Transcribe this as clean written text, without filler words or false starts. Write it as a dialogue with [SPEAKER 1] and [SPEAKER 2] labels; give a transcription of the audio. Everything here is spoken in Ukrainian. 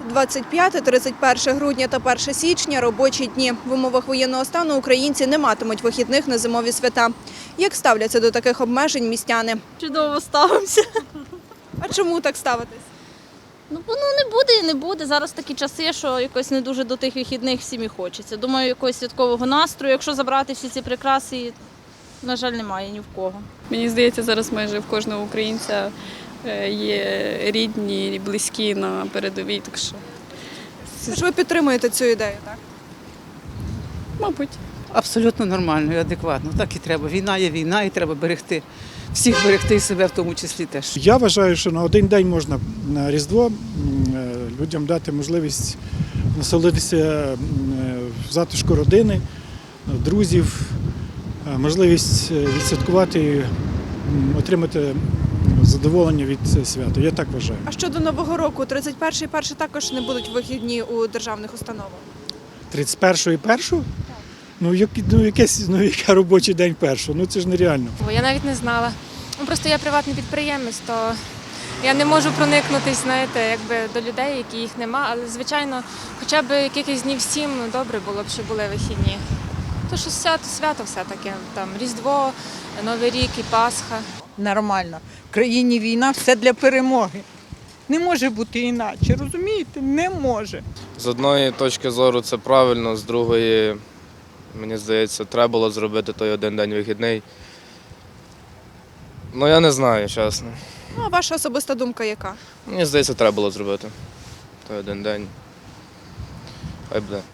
[SPEAKER 1] 25-31 грудня та 1 січня – робочі дні. В умовах воєнного стану українці не матимуть вихідних на зимові свята. Як ставляться до таких обмежень містяни?
[SPEAKER 2] Чудово ставимося.
[SPEAKER 1] А чому так ставитесь?
[SPEAKER 2] Воно не буде і не буде. Зараз такі часи, що якось не дуже до тих вихідних всім і хочеться. Думаю, якогось святкового настрою, якщо забрати всі ці прикраси, на жаль, немає ні в кого.
[SPEAKER 3] Мені здається, зараз майже в кожного українця є рідні, близькі на передовій, так що,
[SPEAKER 1] Тож ви підтримуєте цю ідею, так?
[SPEAKER 3] мабуть.
[SPEAKER 4] Абсолютно нормально і адекватно. Так і треба. Війна є війна, і треба берегти. Всіх берегти і себе в тому числі теж.
[SPEAKER 5] Я вважаю, що на один день можна на Різдво людям дати можливість насолодитися в затишку родини, друзів, можливість відсвяткувати, отримати задоволення від свята. Я так вважаю.
[SPEAKER 1] А щодо Нового року, 31-й і 1 також не будуть вихідні у державних установах?
[SPEAKER 5] 31-го і 1-го? Яка робочий день 1-го? Це ж нереально.
[SPEAKER 6] Я навіть не знала. Просто я приватний підприємець, то я не можу проникнутися, до людей, які їх нема. Але, звичайно, хоча б якихось днів 7 добре було б, щоб були вихідні. То що свято все-таки, там Різдво, Новий рік і Пасха.
[SPEAKER 7] Нормально. В країні війна, все для перемоги. Не може бути іначе, розумієте? Не може.
[SPEAKER 8] З одної точки зору це правильно, з другої, мені здається, треба було зробити той один день вихідний. Я не знаю, чесно.
[SPEAKER 1] А ваша особиста думка яка?
[SPEAKER 8] Мені здається, треба було зробити той один день. Хай буде.